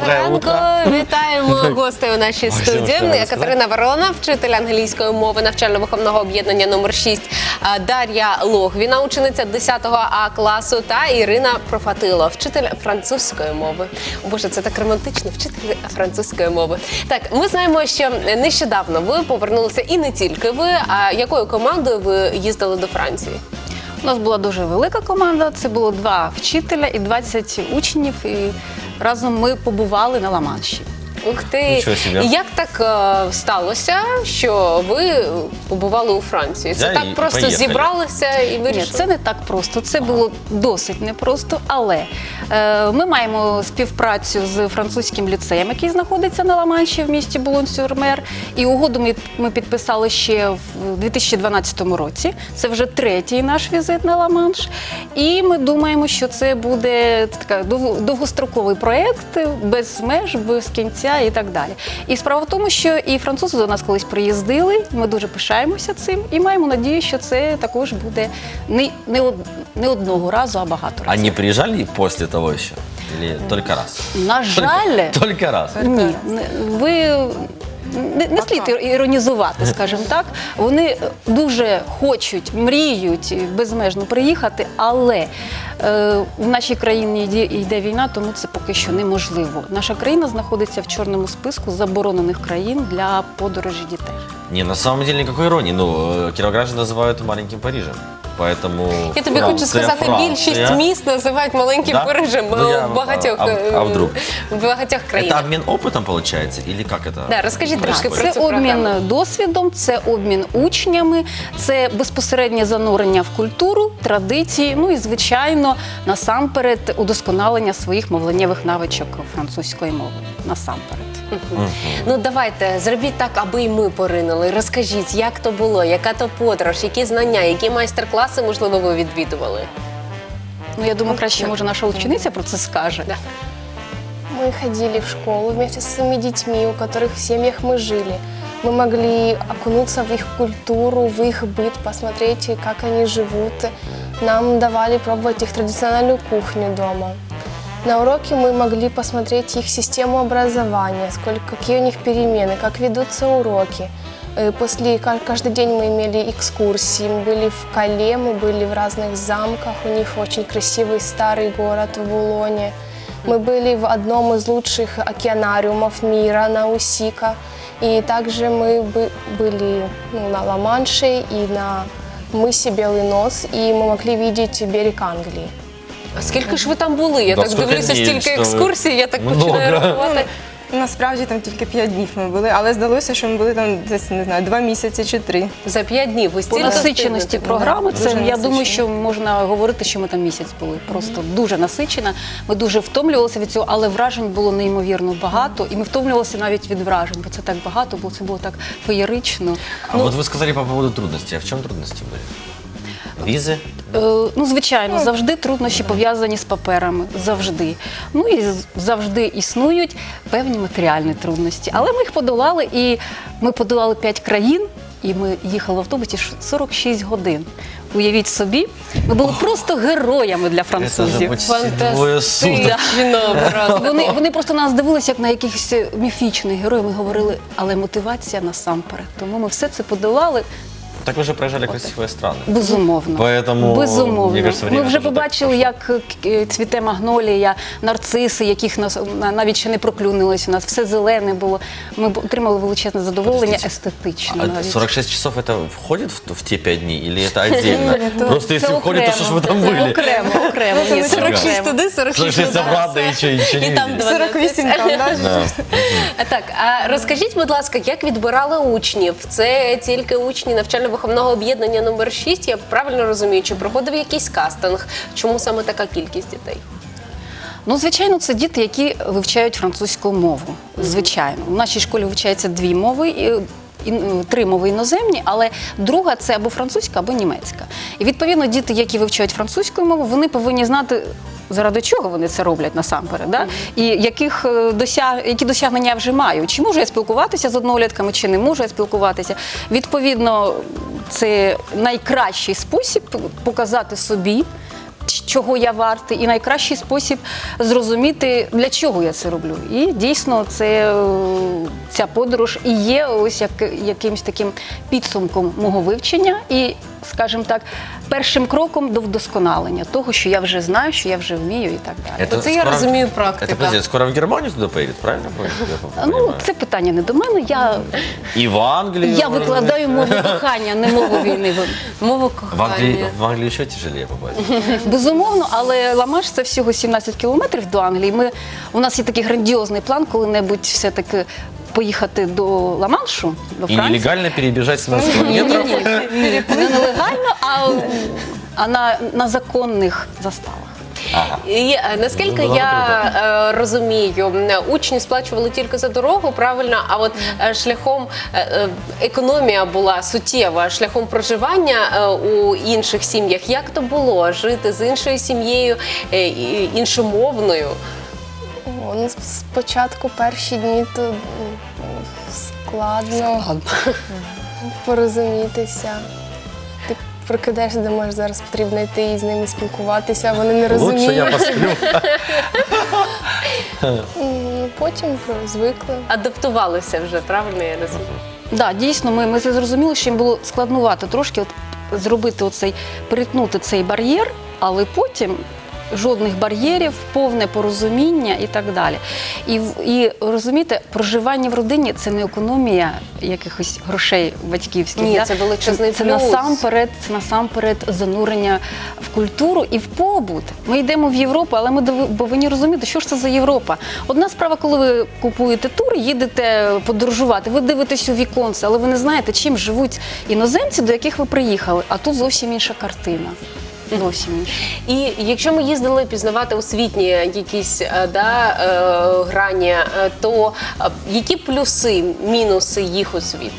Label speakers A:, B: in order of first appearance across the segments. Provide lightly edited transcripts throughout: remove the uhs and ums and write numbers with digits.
A: ранку! Вітаємо гостей у нашій студії. Катерина Ворона, вчитель англійської мови навчально-виховного об'єднання номер 6, Дар'я Логвіна, учениця 10 А класу, та Ірина Профатило, вчитель французької мови. О, Боже, це так романтично, вчитель французької мови. Так, ми знаємо, що нещодавно ви повернулися, і не тільки ви, а якою командою ви їздили до Франції?
B: У нас була дуже велика команда, це було 2 вчителя і 20 учнів, і разом ми побували на Ла-Манші.
A: Ух ти! І як так сталося, що ви побували у Франції? Це так просто зібралися і вирішили?
B: Ні, це не так просто, це було досить непросто, але ми маємо співпрацю з французьким ліцеєм, який знаходиться на Ла-Манші в місті Булон-сюр-Мер, і угоду ми підписали ще в 2012 році. Це вже 3-й наш візит на Ла-Манш, і ми думаємо, що це буде такий довгостроковий проєкт, без меж, без кінця і так далі. І справа в тому, що і французи до нас колись приїздили, ми дуже пишаємося цим і маємо надію, що це також буде не одного разу, а багато разів.
C: Они приезжали после того еще? Или только раз?
B: На жаль,
C: Только раз?
B: ні, ви не слід іронізувати, скажімо так. Вони дуже хочуть, мріють безмежно приїхати, але в нашій країні йде війна, тому це поки що неможливо. Наша країна знаходиться в чорному списку заборонених країн для подорожі дітей.
C: Не, на самом деле никакой иронии. Ну, кировограждан называют маленьким Парижем. Поэтому
A: Я тобі хочу сказати, більшість міст називають маленьким Парижем в багатьох країнах.
C: Это обмен опытом получается? Или как это?
A: Да, розкажіть трошки про
B: Це
A: цю програму.
B: обмін досвідом, це обмін учнями, це безпосереднє занурення в культуру, традиції, ну і, звичайно, насамперед удосконалення своїх мовленнєвих навичок французької мови. Насамперед.
A: Ну давайте, зробіть так, аби і ми поринули. Розкажіть, як то було, яка то подорож, які знання, які майстер-класи, можливо, ви відвідували?
B: Ну, я думаю, краще, може, наша учениця про це скаже.
A: Да.
D: Мы ходили в школу вместе со своими детьми, у которых в семьях мы жили. Мы могли окунуться в их культуру, в их быт, посмотреть, как они живут. Нам давали пробовать их традиционную кухню дома. На уроке мы могли посмотреть их систему образования, какие у них перемены, как ведутся уроки. Каждый день мы имели экскурсии, мы были в Кале, мы были в разных замках, у них очень красивый старый город в Булоне. Мы были в одном из лучших океанариумов мира, на Усика. И также мы были на Ла-Манше и на мысе Белый Нос, и мы могли видеть берег Англии.
A: А скільки ж ви там були? Я
C: Да,
A: так
C: скільки
A: дивлюся,
C: днів,
A: стільки
C: що ви?
A: екскурсій, я так
C: Много.
A: починаю рахувати.
E: Насправді там тільки 5 днів ми були, але здалося, що ми були там десь, не знаю, 2 місяці чи 3.
A: За 5 днів ви
B: По
A: стільки
B: насиченості
A: встигнете?
B: програми,
E: Дуже
B: це, я
E: насичено.
B: думаю, що можна говорити, що ми там місяць були. Просто дуже насичена. Ми дуже втомлювалися від цього, але вражень було неймовірно багато. І ми втомлювалися навіть від вражень, бо це так багато, бо це було так феєрично.
C: А вот вы сказали по поводу трудностей. А в чем трудности были? Визы?
B: Ну, звичайно, завжди труднощі пов'язані з паперами. Завжди. Ну і завжди існують певні матеріальні трудності. Але ми їх подолали, і ми подолали 5 країн, і ми їхали в автобусі 46 годин. Уявіть собі, ми були просто героями для французів.
C: Двое суток.
A: Фантастично просто.
B: Вони просто на нас дивилися, як на якихось міфічних героїв. Ми говорили, але мотивація насамперед. Тому ми все це подолали.
C: Так вы же проезжали красивые страны.
B: Безумовно.
C: Поэтому,
B: Безумовно.
C: мне кажется,
B: Ми
C: время
B: вже
C: тоже
B: побачили,
C: так
B: як цвіте магнолія, нарциси, яких нас навіть ще не проклюнилось у нас. Все зелене було. Ми отримали величезне задоволення естетично.
C: А
B: навіть.
C: 46 часов это входит в те 5 дней или это отдельно? Просто если входит, то что ж вы там
B: Це
C: были?
B: окремо. Ні, це
A: 46
B: окремо.
A: туди, 46
C: 46 обратно и ничего
A: І
C: не
A: там
C: видели.
E: 48 там, да?
C: Да.
A: Так, а розкажіть, будь ласка, як відбирали учнів? Це тільки учні навчально-виховного об'єднання номер 6, я правильно розумію, чи проходив якийсь кастинг? Чому саме така кількість дітей?
B: Ну, звичайно, це діти, які вивчають французьку мову. Звичайно. У нашій школі вивчається 2 мови. 3 мови іноземні, але друга – це або французька, або німецька. І, відповідно, діти, які вивчають французьку мову, вони повинні знати, заради чого вони це роблять насамперед, да? І які досягнення вже мають. Чи можу я спілкуватися з однолітками, чи не можу я спілкуватися. Відповідно, це найкращий спосіб показати собі, чого я вартий, і найкращий спосіб зрозуміти, для чого я це роблю. І дійсно ця подорож і є ось якимось таким підсумком мого вивчення і, скажімо так, першим кроком до вдосконалення того, що я вже знаю, що я вже вмію і так далі.
C: Это
A: Оце я розумію
C: Это,
A: практика.
C: подожди, скоро в Германию туда поедет, правильно? Я
B: Ну,
C: понимаю?
B: це питання не до мене.
C: И в Англию.
B: Я
C: может
B: викладаю
C: быть.
B: мову кохання, не мову війни.
A: Мова
C: В Англию еще тяжелее попасть.
B: Безумовно, але Ла-Манш – це всього 17 кілометрів до Англії. У нас є такий грандіозний план, коли-небудь все-таки поїхати до Ла-Маншу, до
C: И
B: Франції.
C: нелегально перебежать 17 километров.
B: Не нелегально, а на законних заставах.
C: Ага.
A: І наскільки
C: Ну,
A: я розумію, учні сплачували тільки за дорогу, правильно, а от шляхом економія була суттєва, шляхом проживання у інших сім'ях. Як то було жити з іншою сім'єю, іншомовною?
D: Ну, спочатку перші дні то складно порозумітися. Ти прокидаєшся, думаєш, зараз потрібно йти і з ними спілкуватися, вони не розуміють.
C: Лучше я посплю.
D: Потім звикли.
A: Адаптувалися вже, правильно я розумію?
B: Да, дійсно, ми це зрозуміли, що їм було складнувато трошки зробити перетнути цей бар'єр, але потім жодних бар'єрів, повне порозуміння і так далі. І розумієте, проживання в родині – це не економія якихось грошей батьківських.
A: Ні, це величезний
B: це
A: плюс.
B: насамперед занурення в культуру і в побут. Ми йдемо в Європу, але ми повинні розуміти, що ж це за Європа. Одна справа, коли ви купуєте тур, їдете подорожувати, ви дивитесь у віконце, але ви не знаєте, чим живуть іноземці, до яких ви приїхали. А тут зовсім інша картина. Зовсім інша.
A: І якщо ми їздили пізнавати освітні якісь грані, то які плюси, мінуси їх освіти?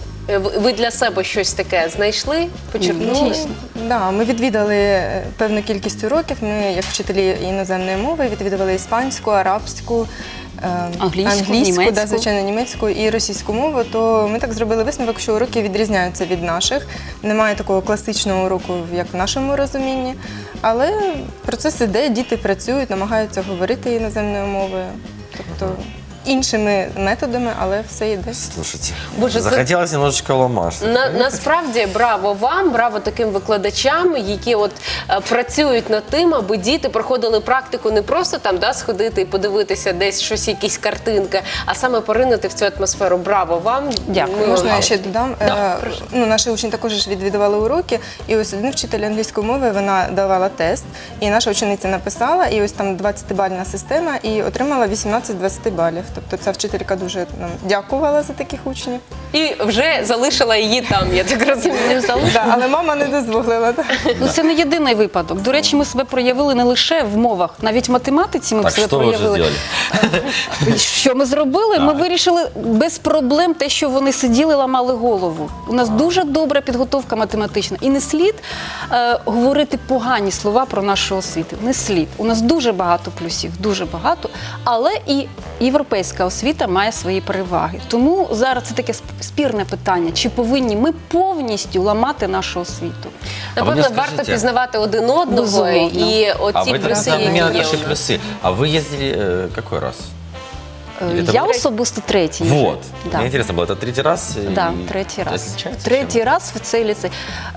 A: Ви для себе щось таке знайшли, почерпнули?
B: Дійсно.
E: Да, ми відвідали певну кількість уроків. Ми, як вчителі іноземної мови, відвідували іспанську, арабську,
B: Англійську,
E: да,
B: німецьку.
E: звичайно, німецьку і російську мову, то ми так зробили висновок, що уроки відрізняються від наших. Немає такого класичного уроку, як в нашому розумінні. Але процес іде, діти працюють, намагаються говорити іноземною мовою. Тобто іншими методами, але все йде.
C: Слушайте,
A: Боже,
C: захотелось немножечко Ла-Манш.
A: Насправді браво вам, браво таким викладачам, які працюють над тим, аби діти проходили практику не просто там сходити і подивитися десь щось, якісь картинки, а саме поринути в цю атмосферу. Браво вам.
B: Дякую.
A: Ми
E: Можна
A: вам-
E: я ще додам? Наші учні також ж відвідували уроки, і ось один вчитель англійської мови, вона давала тест, і наша учениця написала, і ось там 20-бальна система, і отримала 18-20 балів. Тобто ця вчителька дуже нам дякувала за таких учнів.
A: І вже залишила її там, я так розумію.
E: Да, але мама не дозволила. Так.
B: Ну, це не єдиний випадок. До речі, ми себе проявили не лише в мовах, навіть в математиці ми
C: Так,
B: себе
C: что вы уже
B: проявили.
C: сделали?
B: Що ми зробили? Ми вирішили без проблем те, що вони сиділи, ламали голову. У нас дуже добра підготовка математична. І не слід говорити погані слова про нашу освіту. Не слід. У нас дуже багато плюсів, дуже багато. Але і європейська освіта має свої переваги. Тому зараз це таке спірне питання. Чи повинні ми повністю ламати нашу освіту?
A: Напевно,
C: скажіть,
A: варто пізнавати один одного
B: Безумовно.
A: і
C: А
A: оці
C: вы
A: плюси,
C: тогда
A: які
C: мне
A: є.
C: наши
A: у нас.
C: плюсы. А вы ездили какой раз? Или это
B: Я
C: был-
B: особисто третій. вже.
C: Вот.
B: Да.
C: Мне интересно было, это третий раз?
B: Да,
C: и
B: третій раз.
C: отличается
B: Третій
C: чем?
B: раз в цей ліцей.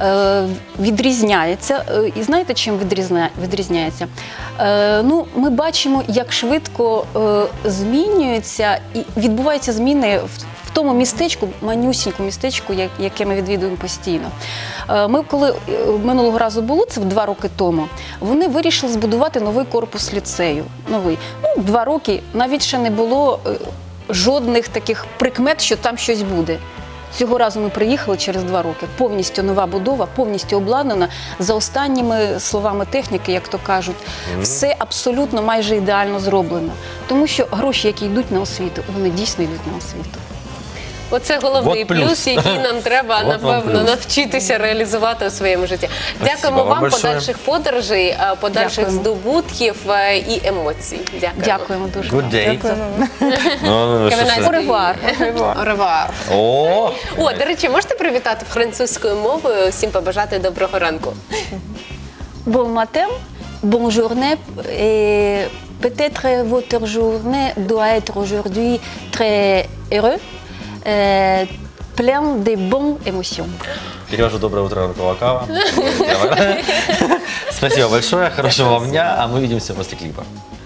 B: Відрізняється. І знаєте, чим відрізняється? Ну, ми бачимо, як швидко змінюються і відбуваються зміни в тому містечку, манюсіньку містечку, яке ми відвідуємо постійно. Ми, коли минулого разу було, це 2 роки тому, вони вирішили збудувати новий корпус ліцею. Новий. 2 роки навіть ще не було жодних таких прикмет, що там щось буде. Цього разу ми приїхали через 2 роки. Повністю нова будова, повністю обладнана. За останніми словами техніки, як то кажуть, все абсолютно майже ідеально зроблено. Тому що гроші, які йдуть на освіту, вони дійсно йдуть на освіту.
A: Оце головний
C: Вот плюс.
A: плюс, який нам треба,
C: Вот вам
A: напевно,
C: плюс.
A: навчитися реалізувати у своєму житті.
C: Спасибо
A: Дякуємо
C: вам
A: вам,
C: большое.
A: подальших подорожей, подальших
B: Дякуємо.
A: здобутків і емоцій. Дякуємо.
B: Дякуємо дуже.
C: Good day.
E: Дякуємо.
C: Ну, что
A: Кавінець.
C: ж.
B: Оревуар.
A: Оревуар.
C: О,
A: О, до речі, можете привітати французькою мовою, всім побажати доброго ранку.
B: Bon matin, bonne journée et peut-être votre journée doit être aujourd'hui très heureux, plein de bonnes émotions.
C: Перевожу «Доброе утро, Рукова Кава». Спасибо большое, хорошего вам дня, а мы увидимся после клипа.